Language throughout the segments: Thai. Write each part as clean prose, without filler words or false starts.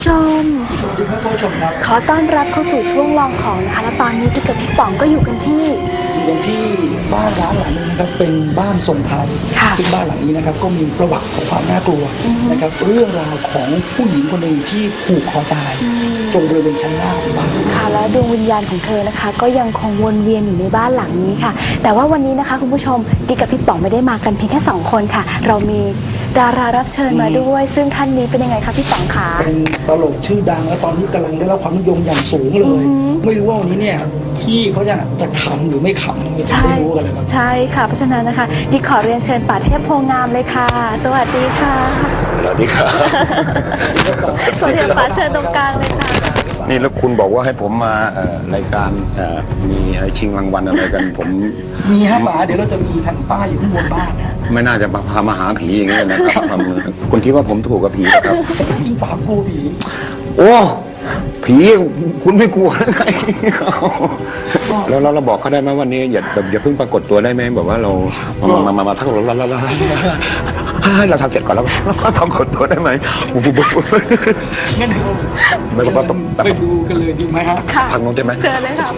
ชมสวัสดีครับผู้ชมครับขอต้อนรับเข้าสู่ช่วงลองของนะคะและตอนนี้กิ๊กกับพี่ป๋องก็อยู่กันที่บ้านร้านหลังนึงนะครับเป็นบ้านทรงไทยซึ่งบ้านหลังนี้นะครับก็มีประวัติของความน่ากลัวนะครับเรื่องราวของผู้หญิงคนหนึ่งที่ผูกคอตายตรงบริเวณชั้นล่างของบ้านค่ะและดวงวิญญาณของเธอนะคะก็ยังคงวนเวียนอยู่ในบ้านหลังนี้ค่ะแต่ว่าวันนี้นะคะคุณผู้ชมกิ๊กกับพี่ป๋องไม่ได้มากันเพียงแค่2คนค่ะเรามีดารารับเชิญมาด้วยซึ่งท่านนี้เป็นยังไงคะพี่ป๋องคะเป็นตลกชื่อดังและตอนนี้กำลังได้รับความนิยมอย่างสูงเลยไม่รู้ว่าวันนี้เนี่ยพี่เขาจะขำหรือไม่ขำไม่รู้กันเลยครับใช่ค่ะเพราะฉะนั้นนะคะกิ๊กขอเรียนเชิญป๋าเทพโพงามเลยค่ะสวัสดีค่ะสวัสดีครับขอเรียนป๋าเชิญตรงกลางเลยค่ะนี่แล้วคุณบอกว่าให้ผมมารายการมีชิงรางวัลอะไรกันผมมีฮะป๋าเดี๋ยวเราจะมีทางป้ายอยู่ข้างบนบ้านนะไม่น่าจะพามาหาผีอย่างนี้นะครับคุณคิดว่าผมถูกกับผีนะครับจริงป๋ากลัวผีโอ้ผีคุณไม่กลัวหรือไงแล้วเราบอกเขาได้ไหมวันนี้อย่าเพิ่งปรากฏตัวได้ไหมแบบว่าเรามาทักเราให้เราทำเสร็จก่อนแล้วก็ปรากฏตัวได้ไหมงั้นไปดูกันเลยดีไหมฮะทางโน้นได้ไหมเจอเลยค่ะ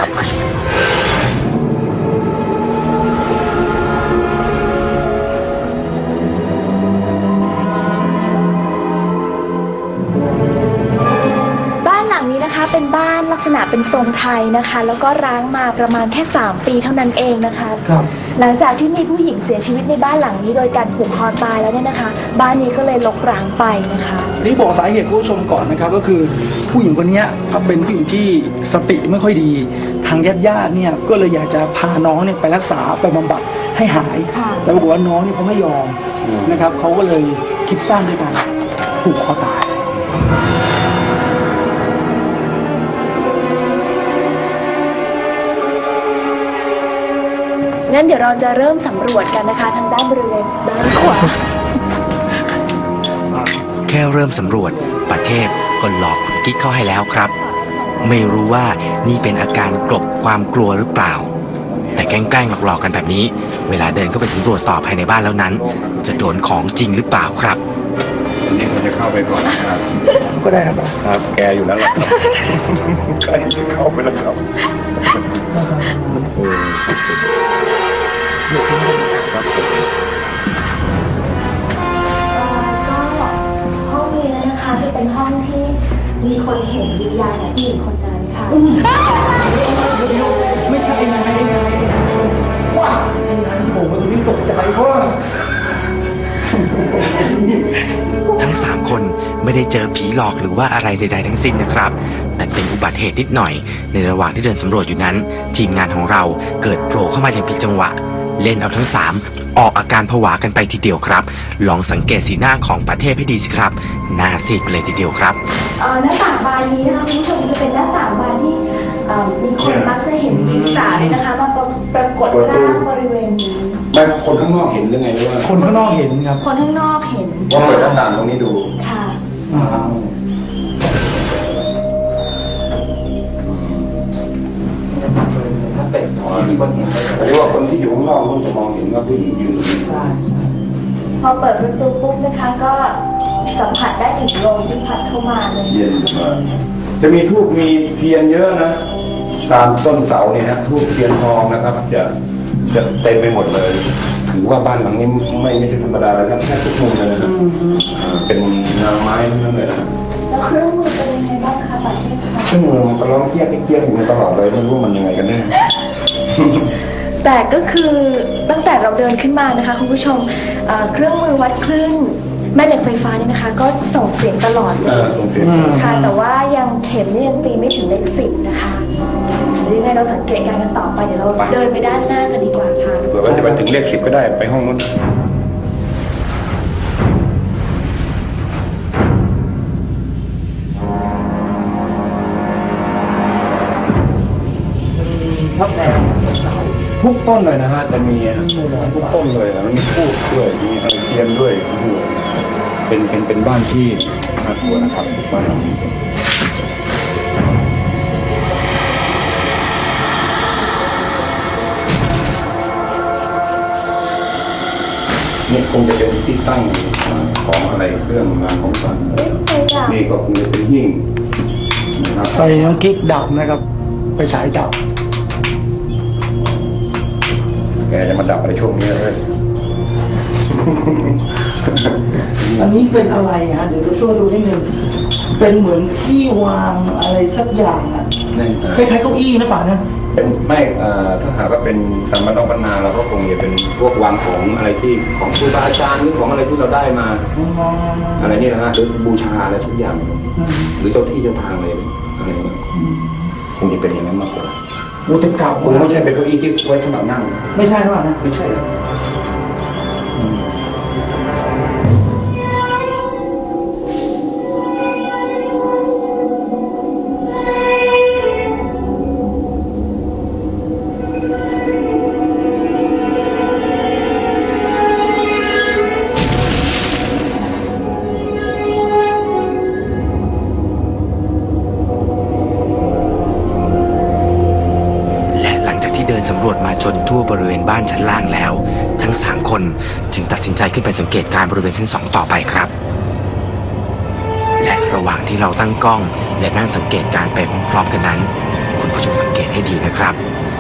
เป็นบ้านลักษณะเป็นทรงไทยนะคะแล้วก็ร้างมาประมาณแค่3 ปีเท่านั้นเองนะคะหลังจากที่มีผู้หญิงเสียชีวิตในบ้านหลังนี้โดยการผูกคอตายแล้วเนี่ยนะคะบ้านนี้ก็เลยรกร้างไปนะคะนี่บอกสาเหตุผู้ชมก่อนนะครับก็คือผู้หญิงคนนี้เป็นผู้หญิงที่สติไม่ค่อยดีทางญาติเนี่ยก็เลยอยากจะพาน้องเนี่ยไปรักษาไปบำบัดให้หายแต่ปรากฏว่าน้องเนี่ยเขาไม่ยอมนะครับเขาก็เลยคิดสร้างด้วยการผูกคอตายงั้นเดี๋ยวเราจะเริ่มสำรวจกันนะคะทางด้านบริเวณด้านขวาแค่เริ่มสำรวจประเทศก็หลอกคุณกิ๊กเข้าให้แล้วครับไม่รู้ว่านี่เป็นอาการกลบความกลัวหรือเปล่าแต่แกล้งหลอกกันแบบนี้เวลาเดินเข้าไปสำรวจต่อภายในบ้านแล้วนั้นจะโดนของจริงหรือเปล่าครับวันนี้ผมจะเข้าไปก่อนนะครับก็ได้ครับครับแกอยู่แล้วล่ะครับใครจะเข้าไปแล้วครับก็ห้องนี้นะคะจะเป็นห้องที่มีคนเห็นวิญญาณผู้หญิงคนนั้นค่ะไม่ใช่ไงว้าผมตรงนี้ตกใจว่าทั้ง3 คนไม่ได้เจอผีหลอกหรือว่าอะไรใดๆทั้งสิ้นนะครับแต่เป็นอุบัติเหตุนิดหน่อยในระหว่างที่เดินสำรวจอยู่นั้นทีมงานของเราเกิดโผล่เข้ามาอย่างผิดจังหวะเล่นเอาทั้ง3ออกอาการผวากันไปทีเดียวครับลองสังเกตสีหน้าของประเทศให้ดีสิครับหน้าซีดไปเลยทีเดียวครับหน้าต่างบานนี้นะคะคุณผู้ชมจะเป็นหน้าต่างบานที่มีคนมักจะเห็นหญิงสาวเลยนะคะมาปรากฏร่างบริเวณนี้ไม่คนข้างนอกเห็นหรือไงหรือว่าคนข้างนอกเห็นครับคนข้างนอกเห็นว่าเปิดหน้าต่างตรงนี้ดูค่ะหรือว่าคนที่อยู่ข้างนอกเขาจะมองเห็นว่าผู้หญิงยืนใช่พอเปิดประตูปุ๊บนะคะก็สัมผัสได้ถึงลมที่พัดเข้ามาเลยเย็นจะมีทูบมีเทียนเยอะนะตามต้นเสาเนี่ยนะทูบเทียนทองนะครับจะเต็มไปหมดเลยถือว่าบ้านหลังนี้ไม่ใช่ธรรมดาเลยครับแค่ทุกมุมเลยนะครับเป็นงานไม้ทั้งนั้นเลยนะแล้วเครื่องมือเป็นยังไงบ้างคะประเทศเครื่องมือมันก็ร้องเกี้ยกอยู่ตลอดเลยไม่รู้มันยังไงกันแน่แต่ก็คือตั้งแต่เราเดินขึ้นมานะคะคุณผู้ชมเครื่องมือวัดคลื่นแม่เหล็กไฟฟ้าเนี่ยนะคะก็ส่งเสียงตลอดเลยส่งเสียงค่ะแต่ว่ายังเข็มนี่ยังตีไม่ถึงเลข10นะคะยังไงเราสังเกตการกันต่อไปเดี๋ยวเราเดินไปด้านหน้ากันดีกว่าค่ะเผื่อว่าจะไปถึงเลข10ก็ได้ไปห้องนู้นทุกต้นเลยนะฮะจะมีทุกต้นเลยมันมีทูบด้วยมีอะไรเทียนด้วยเป็นบ้านที่น่ากลัวนะครับบ้านหลังนี้นี่คงจะเป็นที่ตั้งของอะไรเครื่องรางของขลังนี่ก็คงจะเป็นหิ้งนะครับไฟน้องกิ๊กดับนะครับไปฉายดับแกจะมาดับอะไรช่วงนี้เลยอันนี้เป็นอะไรฮะเดี๋ยวเราช่วยดูนิดนึงเป็นเหมือนที่วางอะไรสักอย่างอ่ะนั่นคล้ายๆเก้าอี้นะป่ะนะเป็นไม่ถ้าหากว่าเป็นตามบ้านนอกบ้านนาเราก็คงจะเป็นพวกวางของอะไรที่ของครูบาอาจารย์หรือของอะไรที่เราได้มา อะไรนี่นะฮะหรือบูชาอะไรทุกอย่าง หรือเจ้าที่เจ้าทางอะไรอะไรเนี่ยคงจะเป็นอย่างนั้นมากกว่าโอ้แต่เก่าคงไม่ใช่เป็นเก้าอี้ที่ไว้สำหรับนั่งไม่ใช่หรือเปล่านะไม่ใช่หรอกและหลังจากที่เดินสำรวจมาจนทั่วบริเวณบ้านชั้นล่างแล้ว ทั้ง 3 คนจึงตัดสินใจขึ้นไปสังเกตการณ์บริเวณชั้น 2 ต่อไปครับ และระหว่างที่เราตั้งกล้องและนั่งสังเกตการณ์ไปพร้อมๆกันนั้น คุณผู้ชมสังเกตให้ดีนะครับ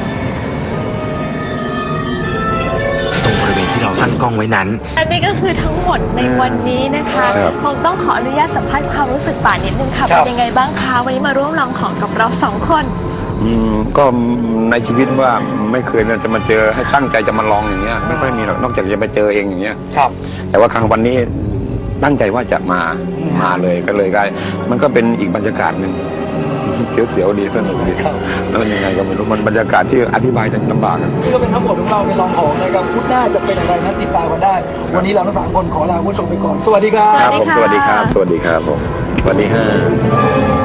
ตรงบริเวณที่เราตั้งกล้องไว้นั้นและนี่ก็คือทั้งหมดในวันนี้นะคะคงต้องขออนุญาตสัมภาษณ์ความรู้สึกป่านิดนึงค่ะเป็นยังไงบ้างคะวันนี้มาร่วมลองของกับเรา2 คนก็ในชีวิตว่าไม่เคยจะมาเจอให้ตั้งใจจะมาลองอย่างเงี้ยไม่ค่อยมีหรอกนอกจากจะไปเจอเองอย่างเงี้ยครับแต่ว่าครั้งวันนี้ตั้งใจว่าจะมาเลยก็เลยได้มันก็เป็นอีกบรรยากาศหนึ่งเสียวๆดีสนุกดีแล้วยังไงก็ไม่รู้มันบรรยากาศที่อธิบายจะลำบากนี่ก็เป็นทั้งหมดของเราในลองของนะครับพุธหน้าจะเป็นอะไรนั้นติดตามกันได้ วันนี้เราทั้ง3 คนขอลาคุณผู้ชมไปก่อนสวัสดีครับครับผมสวัสดีครับ สวัสดีครับผมสวัสดีฮะ